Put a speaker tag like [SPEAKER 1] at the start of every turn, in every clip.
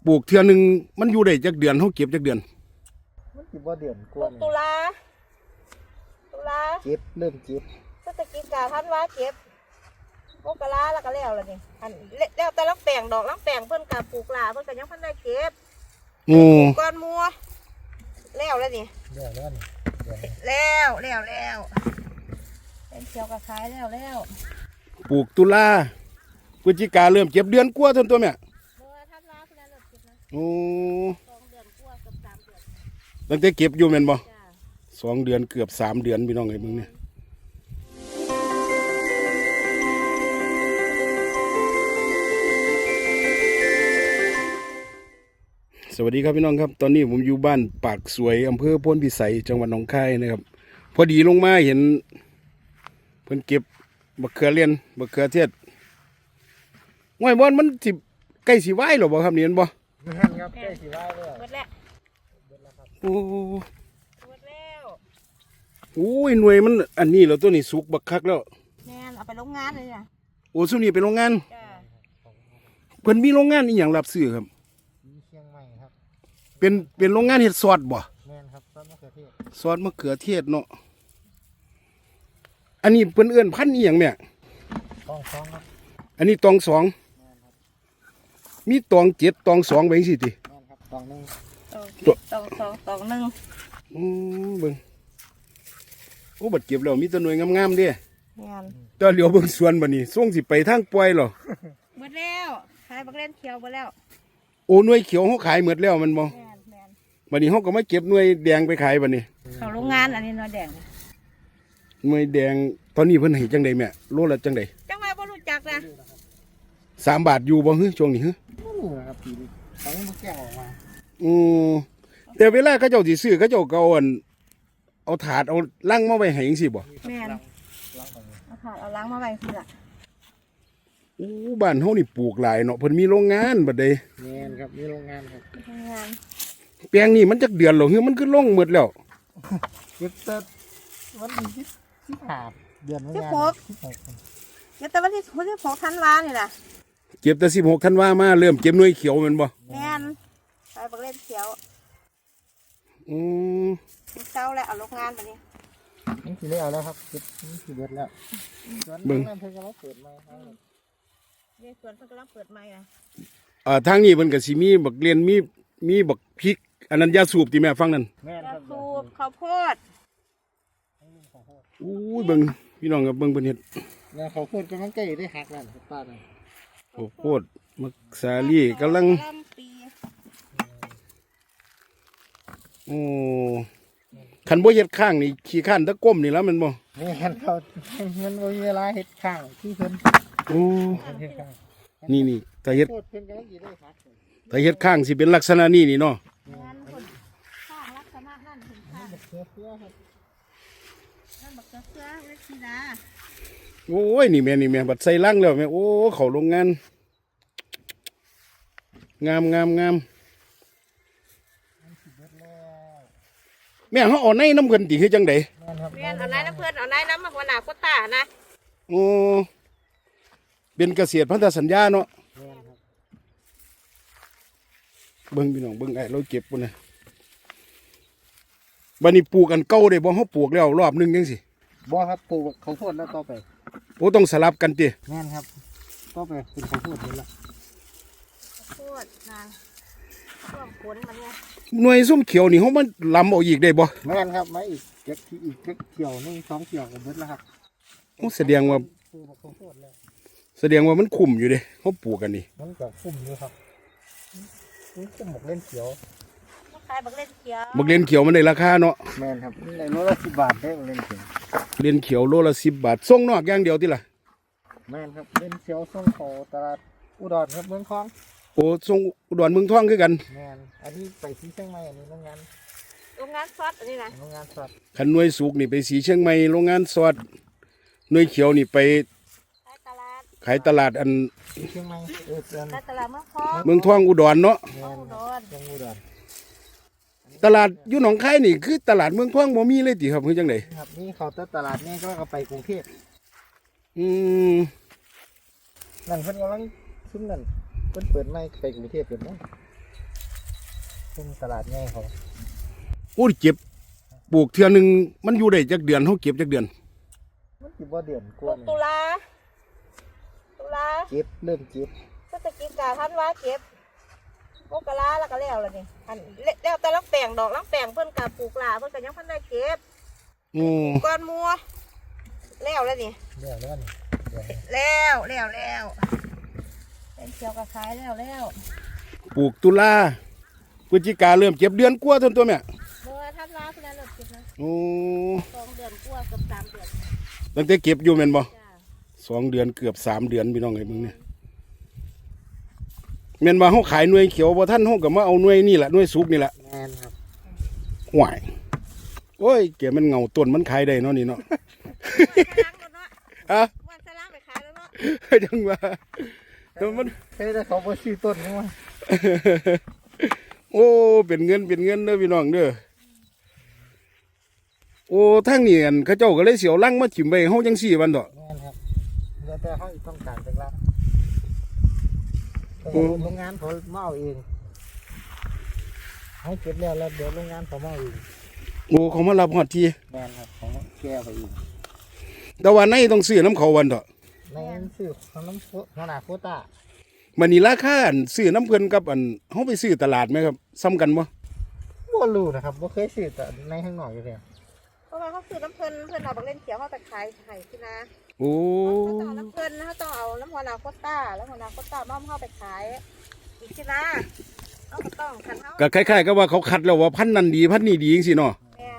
[SPEAKER 1] ปลูกเทื่อหนึงมันอยู่ได้จักเดือนเฮาเก็บจักเดือน
[SPEAKER 2] มันสิบ่เดือนก
[SPEAKER 3] ปลู
[SPEAKER 2] ว่าก
[SPEAKER 3] ตุลา
[SPEAKER 2] เก็บเริ่มเก็บ
[SPEAKER 3] พฤศจิกาธันวาเก็บมกราแล้วก็แล้วล่ะนี่อันแล้วแต่ลังแปลงดอกลังแปลงเพิ่นก็ปลูกหลาเพิ่นก็ยังพันได้เก็บ
[SPEAKER 1] โอ้
[SPEAKER 3] ก้อนมัวแล้วนี่
[SPEAKER 2] เดี๋ยวแล้วนี่
[SPEAKER 3] แล้วเป็นเขียวกับขายแล้ว
[SPEAKER 1] ปลูกตุลาพฤศจิกาเริ่มเก็บเดือนกว่าเท่านั้นตัวแม่
[SPEAKER 3] เมื่อธันวาเพิ่นเริ่มเก็บนะ
[SPEAKER 1] โอ้
[SPEAKER 3] 2 เดือนกว่าเกือบ3 เดือน
[SPEAKER 1] ตั้งแต่เก็บอยู่แม่นบ่
[SPEAKER 3] จ้า
[SPEAKER 1] 2 เดือนเกือบ3 เดือนพี่น้องไอ้มึงเนี่ยสวัสดีครับพี่น้องครับตอนนี้ผมอยู่บ้านปากสวยอำเภอโพนพิสัยจังหวัดหนองคายนะครับพอดีลงมาเห็นเพิ่นเก็บบักเขือเลียนบักเขือเทศง่อยบอลมันสิใกล้สิไหวหรอบ่ครับนี่เห็นบ่
[SPEAKER 2] แม่นครับใกล้สิว่าแล้ว
[SPEAKER 3] หมดแล้ว
[SPEAKER 1] โอ้
[SPEAKER 3] หมดแล้ว
[SPEAKER 1] โอ้ยหน่วยมันอันนี้แล้วตัวนี้สุกบักคักแล้ว
[SPEAKER 3] แม่นเอาไปโรงงานเลยจ้ะ
[SPEAKER 1] โอ้ซุนี่เป็นโรงงาน
[SPEAKER 3] จ้า
[SPEAKER 1] เพิ่นมีโรงงานอีหยังรับซื้อครับ
[SPEAKER 2] มีเชียงใหม่ครับ
[SPEAKER 1] เป็นโรงงานเฮ็ดซอสบ่
[SPEAKER 2] แม่นครับต้นมะเขือเทศ
[SPEAKER 1] ซอสมะเขือเทศเนาะอันนี้เพิ่นเอิ้นพันธุ์อีหยังแม่
[SPEAKER 2] ต้องฟ้องครับ
[SPEAKER 1] อันนี้ตองสอง
[SPEAKER 2] แม่นครับ
[SPEAKER 1] มีตอง7ตอง2ไปจังซี่ติ
[SPEAKER 2] แม่นครับต้องนึง
[SPEAKER 3] ตองหนึ่ง
[SPEAKER 1] เบิ่งโอ้บัดเก็บแล้วมีแตัวหน่วยงามๆเด้
[SPEAKER 3] แม่น
[SPEAKER 1] ตอนเหลียวเบิ่งสวนบัดนี้ส่งสิไปทางปล่อยเหรอ
[SPEAKER 3] หมดแล้วขายบักเล่นเขียวหมดแล้ว
[SPEAKER 1] โอ้หน่วยเขียวเฮาขายหมดแล้วมันบ่
[SPEAKER 3] แม่น
[SPEAKER 1] บัดนี้เฮาก็มาเก็บหน่วยแดงไปขายบัดนี้
[SPEAKER 3] เขาโรงงานอันนี้นอแดง
[SPEAKER 1] หน่วยแดงตอนนี้เพิ่นให้จังไดแม่โลละจังได
[SPEAKER 3] จังหวะบ่รู้จักนะ
[SPEAKER 1] 3 บาทอยู่บ่ฮึช่วงนี้ฮึ
[SPEAKER 2] ไม่รู้นะครับปีนี้ต้องมาแก้ออกมา
[SPEAKER 1] อือแต่เวลาเขาเจ้าสิซื้อเขาเจ้าก็เอาถาดเอาลังมาไว้ให้จังซี่บ่
[SPEAKER 3] แม่น
[SPEAKER 2] ล้างของ
[SPEAKER 3] เอาถาดเอาล้างมาไว้คือละ
[SPEAKER 1] โอ้บ้านเฮานี่ปลูกหลายเนาะเพิ่นมีโรงงานบัดใด
[SPEAKER 2] แม่นครับมีโรงงานครับ
[SPEAKER 3] ทำงาน
[SPEAKER 1] แปลงนี่มันจักเดือนแล้วฮึมันคือลงหมดแล้ว
[SPEAKER 2] เก็บแต่วันที่15เดือนมกราคม16
[SPEAKER 3] เดี๋ยวแต่วันที่16 ธันวานี่ล่ะ
[SPEAKER 1] เก็บแต่16ธันวามาเริ่มเก็บหน่วยเขียวแม่นบ่
[SPEAKER 3] แม่นขายบักเล่นเขียว
[SPEAKER 1] อือ
[SPEAKER 3] มีเจ้าแล้วเอาโรงงานมานี่
[SPEAKER 2] นี่สิได้เอาแล้วครับเก็บนี่สิเบิดแล้วส่วนนั้นเพิ่นก็มาเปิดใหม่ครับ
[SPEAKER 3] นี่สวนเพิ่นกำลังเปิดใหม่อ่ะ
[SPEAKER 1] ทางนี้เพิ่นก็สิมีบักเรียนมีบักพริก อันนั้นยาสูบที่แม่ฟังนั่น
[SPEAKER 2] แม่น
[SPEAKER 3] ก
[SPEAKER 2] ค
[SPEAKER 3] ระ
[SPEAKER 2] รับ
[SPEAKER 3] สูบข้าวโพด
[SPEAKER 1] อู้ยเบิ่งพี่น้องครับเบิ่งเพิ่นเฮ็ด
[SPEAKER 2] แล้วเขาพูดกำลังใกล้ได้หักแล้วครับป้าน่ะ
[SPEAKER 1] โอ้โคตรมักสาลี่กำลัง
[SPEAKER 3] กะหล่ำปี
[SPEAKER 1] โอ้คันบ่เฮ็ดข้างนี่ขี้ข้านตะก้มนี่แล้วแมันบ่
[SPEAKER 2] แม่นเขามันบ่มีเวลาเฮ็ดข้างที่เพิ่น
[SPEAKER 1] โอ้
[SPEAKER 2] เฮ็ดข้าง
[SPEAKER 1] นี่ถ้าเฮ็ด
[SPEAKER 2] โคตรเพิ่นกำลังสิได้หักเลย
[SPEAKER 1] ถ้าเฮ็ดข้างสิเป็นลักษณะนี้นี่เนาะ
[SPEAKER 3] งานคนข้างลักษณะนั่นถึงข้าง
[SPEAKER 2] เสื้อเสื้อครับ
[SPEAKER 3] นั่นบักเสือเสือเล็กสีดา
[SPEAKER 1] โอ้ยนี่แม่บัดใส่ลังแล้วแม่โอ้เข้าโรงงาน งามแม่เฮาเอาในน้ำเพิ่นติคือจังได๋
[SPEAKER 2] แม่นครับ
[SPEAKER 3] เรียนเอาไหนน้ำเพื่อนเอาไหนน้ำมาหัวหน้าโควต้านะ
[SPEAKER 1] โอ้เป็นเกษตรพันธสัญญาเนาะ
[SPEAKER 2] แม่นครับ
[SPEAKER 1] เบิ่งพี่น้องเบิ่งไอ้เราเก็บปุ่นนะบัดนี้ปลูกอันเก่าได้บ่เฮาปลูกแล้วรอบหนึงจังซี่
[SPEAKER 2] บ่ครับปลูกข้าวโพดแล้วต่อไป
[SPEAKER 1] โอ้ต้องสลับกันติ
[SPEAKER 2] แม่นครับต่อไปเป็นข้าวโพดนี่ละ
[SPEAKER 3] โคตรนะช่วงฝนมันเนี่ย
[SPEAKER 1] หน่วยส้มเขียวนี่เฮามันลำเอาอีกได้บ่
[SPEAKER 2] แม่นครับมาอีกเก็บที่อีกเกี่ยวนึง2เกี่ยวก็เบิดแล้วครับ
[SPEAKER 1] โอ้แสดงว่า
[SPEAKER 2] ปลูกข้าวโพดแล้ว
[SPEAKER 1] แสดงว่ามันคุ้มอยู่เด้เฮาปลูกกันนี่
[SPEAKER 2] มันก็คุ้มอยู่ครับนี่คุ้มหมกเล่นเขียว
[SPEAKER 3] มาขายบักเล่นเขียว
[SPEAKER 1] บักเรียนเขียวมันได้ราคาเนาะ
[SPEAKER 2] แม่นครับในโลละ10 บาทได้หมกเล่นเขียว
[SPEAKER 1] เรียนเขียวโลละ10 บาทส่งนอกอย่างเดียวติล่ะ
[SPEAKER 2] แม่นครับเล่นเขียวส่งเขาตลาดอุดรครับเมืองคลอง
[SPEAKER 1] โอ้ส่งอุดรเมืองทองคือกัน
[SPEAKER 2] แม่นอันนี้ไปที่เชียงใหม่อันนี้โรงงาน
[SPEAKER 3] โรงงานซอสอันนี้นะ
[SPEAKER 2] โรงงานสัตว์
[SPEAKER 1] คันหน่วยสุกนี่ไปสีเชียงใหม่โรงงานสอดหน่วยเขียวนี่ไป
[SPEAKER 3] ขายตลาด
[SPEAKER 1] ขายตลาดอัน
[SPEAKER 2] เชียงใหม่เดือน
[SPEAKER 3] ขายตลาดเมืองทอง
[SPEAKER 1] เมืองทองอุดรเนาะ
[SPEAKER 2] แม่น
[SPEAKER 3] อุดร
[SPEAKER 2] จังอุดร
[SPEAKER 1] ตลาดอยู่หนองคายนี่คือตลาดเมืองทองบ่มีเลยติครับคือจังได๋
[SPEAKER 2] ครับนี่เขาแต่ตลาดนี่ก็เอาไปกรุงเทพ
[SPEAKER 1] อืม
[SPEAKER 2] นั่นเพิ่นกำลังซุ่มนั่นเพิ่นเปิดใหม่ไปกรุงเทพเปิดมั้งซึ่งตลาดง่ายเขา
[SPEAKER 1] โอ้ยเก็บปลูกเทื่อหนึงมันอยู่ได้จักเดือนเฮาเก็บจักเดือน
[SPEAKER 2] มันสิบ่เดือนก
[SPEAKER 3] ป
[SPEAKER 2] ว่า
[SPEAKER 3] ลูกตุลา
[SPEAKER 2] เก็บเริ่มเก็บ
[SPEAKER 3] พฤศจิกาธันวาเก็บมกราแล้วก็แล้วนี่อันแล้วแต่ลังแปลงดอกลังแปลงเพิ่นก็ปลูกหลาเพิ่นก็ยังเพิ่นได้เก็บ
[SPEAKER 1] โอ้
[SPEAKER 3] ก้อนมัวแล้วนี่
[SPEAKER 2] เดี๋ยวแล้วนี่เดี๋ยว
[SPEAKER 3] แล้วเป็นเขียวกับขายแล้ว
[SPEAKER 1] ปลูกตุลาพฤศจิกาเริ่มเก็บเดือนกว่าเท่านั้นตัวแม่
[SPEAKER 3] เมื่อธันวาเพิ่นเริ่มเก็บนะ
[SPEAKER 1] โอ้
[SPEAKER 3] 2 เดือนกว่าเกือบ3 เดือน
[SPEAKER 1] ตั้งแต่เก็บอยู่แม่นบ่
[SPEAKER 3] จ้า
[SPEAKER 1] 2 เดือนเกือบ3 เดือนพี่น้องไอ้มึงเนี่ยแม่นว่าเฮาขายหน่วยเขียวบ่ทันเฮาก็มาเอาหน่วยนี่แหละหน่วยสุกนี่แหละ
[SPEAKER 2] แม่นครับ
[SPEAKER 1] ห่วยโอ้ยแกมันเงาต้นมันขายได้เนาะนี่เนาะ อะ
[SPEAKER 3] วันสลามไปขายแล้วเนาะ
[SPEAKER 1] จังว่าแต่มัน
[SPEAKER 2] เฮ้ยได้เขาบ่ซื้อต้นนี่ว่า
[SPEAKER 1] โอ้เป็นเงินเด้อพี่น้องเด้อโอ้ทางนี้อันเขาเจ้าก็เลยเสียวลังมาถิ่มไว้เฮาจังซี่วันดอก
[SPEAKER 2] แม่นครับแล้วแต่เขาต้องการเป็นละโรงงานเขามาเอาเองให้เก็บแล้วเดี๋ยวโรงงานเขามาเอาเอง
[SPEAKER 1] โอ้เขามารับฮอดที
[SPEAKER 2] แม่นครับเขาแก้ไปเอง
[SPEAKER 1] แต่ว่าในต้องซื้อน้ำเขาวันดอก
[SPEAKER 2] ในซื้อของน้ำหัวหน้าโควต้า
[SPEAKER 1] มันนี่ราคาอันซื้อน้ำเพิ่นกับอันเฮาไปซื้อตลาดไหมครับซ้ำกันบ่
[SPEAKER 2] บ่รู้นะครับบ่เคยซื้อแต่ในข้างนอกอยู่แล้ว
[SPEAKER 3] เพราะว่าเขาซื้อน้ำเพิ่นเอาบักเล่นเขียวเขาไปขายให้ที่นา
[SPEAKER 1] โอ้
[SPEAKER 3] เขาต้องเอาน้ำเพิ่นเขาต้องเอาน้ำหัวนาโคต้าแล้วหัวนาโคต้ามาเข้าไปขายอีกที่นาเขาก็ต้องคันเขา
[SPEAKER 1] ก็คล้ายๆกับว่าเขาคัดแล้วว่าพันธุ์นั้นดีพันธุ์นี้ดีจังซี่เนาะ
[SPEAKER 3] แมน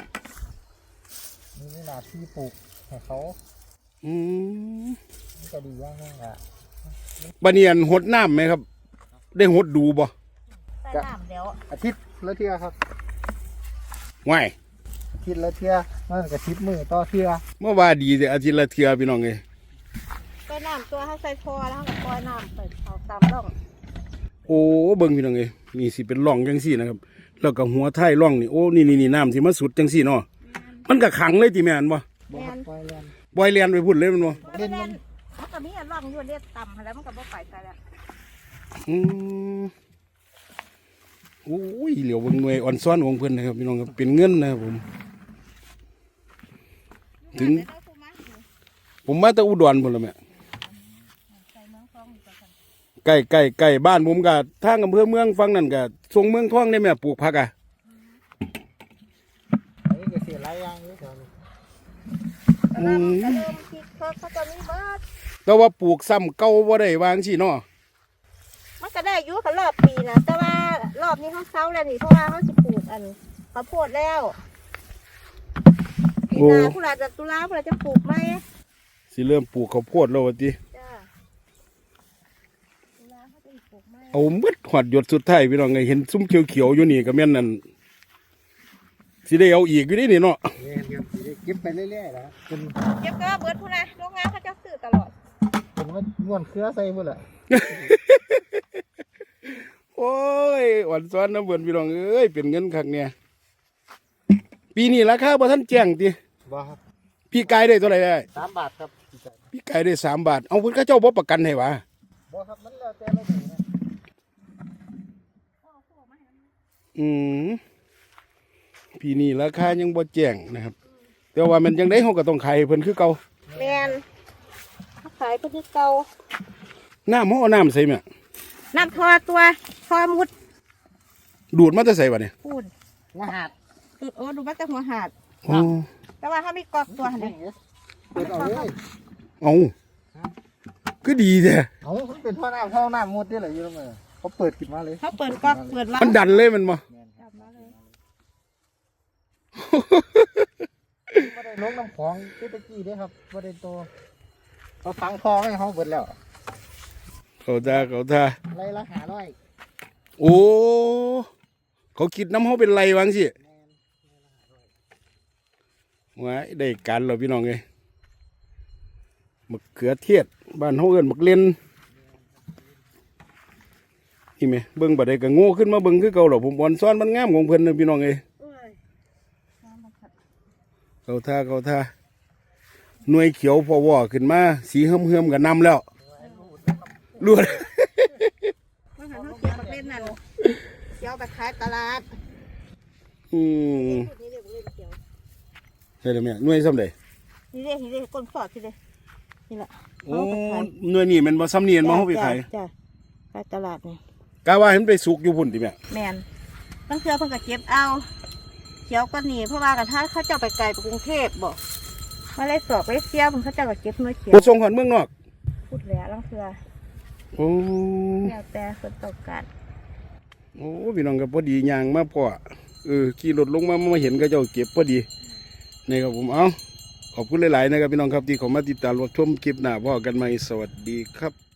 [SPEAKER 2] นี่หน้าที่ปลูกให้เขา
[SPEAKER 1] อืม
[SPEAKER 2] มันจะดีอย่างนึงอ่ะ
[SPEAKER 1] บัดนี้อันหดน้ำไหมครับ ได้หดดูบ่
[SPEAKER 3] ใส่น้ำเดี๋ยว
[SPEAKER 2] อาทิตย์ละเทื่อครับ
[SPEAKER 1] ว้าย
[SPEAKER 2] อาทิตย์ละเทื่อนั่นก็10 มื้อต่อเทื่อ
[SPEAKER 1] เมื่อว่าดีแต่อาทิตย์ละเทื่อพี่น้องเอ้ย
[SPEAKER 3] ใส่น้ำตัวเขาใส่พอแล้วเขาก็ปล่อยน้ำไปเอาตามร่อง
[SPEAKER 1] โอ้เบิ่งพี่น้องเอ้ยนี่สิเป็นร่องจังซี่นะครับ แล้วก็หัวท้ายร่องนี่โอ้นี่น้ำที่มาสุดจังซี่เนาะมันก็ขังเลยติแม่นบ่
[SPEAKER 2] บ่ครับปล่อยแล่น
[SPEAKER 1] ปล่อยเลียนไปพุ่นเลยแมันบ่
[SPEAKER 3] เพราะฉะนั้นเขาก็มีอันร่องอยู่เรียกต่ำแล้วมันก็บ่ไปใส่แล้ว
[SPEAKER 1] อืมโอ้ยเหลียวเบิ่งหน่วยอ่อนซ้อนของเพิ่นนะครับพี่น้องครับเป็นเงินนะครับผม ถึง
[SPEAKER 3] ได้ผู้มา
[SPEAKER 1] ผมมาแต่อุดรพุ่นละแม่
[SPEAKER 3] ใส่เมืองทองอยู่ก่อน
[SPEAKER 1] ใกล้บ้านผมก็ทางอำเภอเมืองฝั่งนั้นก็ทรงเมืองทองได้แม่ปลูกผักอ่ะ
[SPEAKER 2] อันนี้ก็เสียหลายอย่างอยู่แถวนี้
[SPEAKER 3] กระเริ่มคิดเขาจะมีเบิด
[SPEAKER 1] แต่ว่าปลูกซ้ำเก่าบ่ได้วางสิเนาะ
[SPEAKER 3] มันก็ได้อยู่กับรอบปีนะแต่ว่ารอบนี้เขาเซาแล้วนี่เพราะว่าเขาจะปลูกอันข้าวโพดแล้วปีหน้าผู้หลานจะตุลาผู้หลานจะปลูกไหม
[SPEAKER 1] สิเริ่มปลูกข้าวโพดแล้วว่าติ
[SPEAKER 3] จ้าตุลาเขาจะปลูกไหม
[SPEAKER 1] เอาหมดหอดหยดสุดท้ายพี่น้องไงเห็นซุ้มเขียวๆอยู่นี่ก็แม่นนั่นสิได้เอาอีกอยู่นี่เนาะ
[SPEAKER 2] เนี่ยครับเก็บไปเรื่อยๆนะครับเป็น
[SPEAKER 3] เก็บก็เบิดผู้นะโรงงานเขาจะซื้อตลอด
[SPEAKER 2] เป็นว่าม้วนเครือใส่หมดแหละ
[SPEAKER 1] โอ้ยอ่อนซ้อนน้ำเบิ่นพี่น้องเอ้ยเป็นเงินคักเนี่ยปีนี้ราคาบ่ทันแจ้งติ
[SPEAKER 2] บ่ครับ
[SPEAKER 1] พี่กายได้เท่าไหร่ได้
[SPEAKER 2] 3 บาทครับ
[SPEAKER 1] พี่กายได้3 บาทเอาเพิ่นเขาเจ้าบ่ประกันให้วะ
[SPEAKER 2] บ่ครับมันแล้วแต่เราดูนะ
[SPEAKER 1] อืมปีนี้ราคายังบ่แจ้งนะครับ แต่ว่ามันยังได้เฮาก็ต้องขายให้เพิ่นคือเก่า
[SPEAKER 3] แมนเขาขายเพื่อเก่า
[SPEAKER 1] น้ำเฮาเอาน้ำใส่แม่
[SPEAKER 3] น้ำทอตัวทอมุด
[SPEAKER 1] ดูดมาแต่ใส่วะเนี่ย
[SPEAKER 3] พูด
[SPEAKER 2] หัวหาด
[SPEAKER 3] โอ้ดูว่าจะหัวหาด
[SPEAKER 1] อ๋อ
[SPEAKER 3] แต่ว่าเขามีกอกตัวหัน
[SPEAKER 2] นี่
[SPEAKER 3] เลย
[SPEAKER 2] เปิดเอาเลย
[SPEAKER 1] เอาก็ดีแท้
[SPEAKER 2] เอามันเป็นท่อน้ำหมดนี่แหละอยู่แล้วมั้ยเขาเปิดขึ้นมาเลย
[SPEAKER 3] เขาเปิดกอกเปิดร้าน
[SPEAKER 1] มันดันเลยมันบ่
[SPEAKER 3] กลับมาเลย
[SPEAKER 2] บ่ได้ลงน้ำของที่ตะกี้เด้ครับบ่ได้โตเขาฝังคลองให้เขาเบิดแล้ว
[SPEAKER 1] เขาท่า
[SPEAKER 2] ไรละ500
[SPEAKER 1] โอ้เขาคิดน้ำเขาเป็นไรวางสิว้ายได้การเราพี่น้องไงมะเขือเทศบ้านเขาเอิ้นมะเล่นนี่ไหมเบิ่งบัดใดก็โง่ขึ้นมาเบิ่งคือเก่าหรอผมอ่อนซ้อนมันงามของเพิ่นนะพี่น้องเอ้ย
[SPEAKER 3] เอ้ยน้ำมันขัด
[SPEAKER 1] เขาท่าหน่วยเขียวพอวอขึ้นมาสีเฮิมๆกับน้ำแล้วรวด
[SPEAKER 3] มันหันเขาเก็บมาเล่นนั่นเขียวไปขายตลาด
[SPEAKER 1] อืม
[SPEAKER 3] นี่เรียกเล่นเขียว
[SPEAKER 1] เฮ็ดได้แม่หน่วยซ้ำใด
[SPEAKER 3] นี่เรียกก้นฟอดที่เลยนี่แหละ
[SPEAKER 1] โอ้หน่วยนี่มันบ่ซ้ำนี่มันบ่เฮาไปขาย
[SPEAKER 3] จ้ะขายตลาดนี่
[SPEAKER 1] กะว่าให้มันไปสุกอยู่พุ่นติแม่
[SPEAKER 3] แมนบางเทื่อเพิ่นก็เก็บเอาเขียวก็หนีเพราะว่ากันถ้าเขาเจ้าไปไกลไปกรุงเทพบ่มาเลยสอบไปเสียเพิ่นเขาเจ้าก็เก็บเนื้อเขียว
[SPEAKER 1] บ่ส่งฮอดเมืองนอก
[SPEAKER 3] พูดแล้วบางเทื่อ
[SPEAKER 1] โอ้
[SPEAKER 3] แล้วแต่คนต้องการ
[SPEAKER 1] โอ้พี่น้องก็พอดีย่างมาพ่อขี่รถลงมาเห็นก็เจ้าเก็บพอดีนี่ครับผมขอบคุณหลายๆนะครับพี่น้องครับที่เข้ามาติดตามรับชมคลิปหน้าพ่อกันใหม่สวัสดีครับ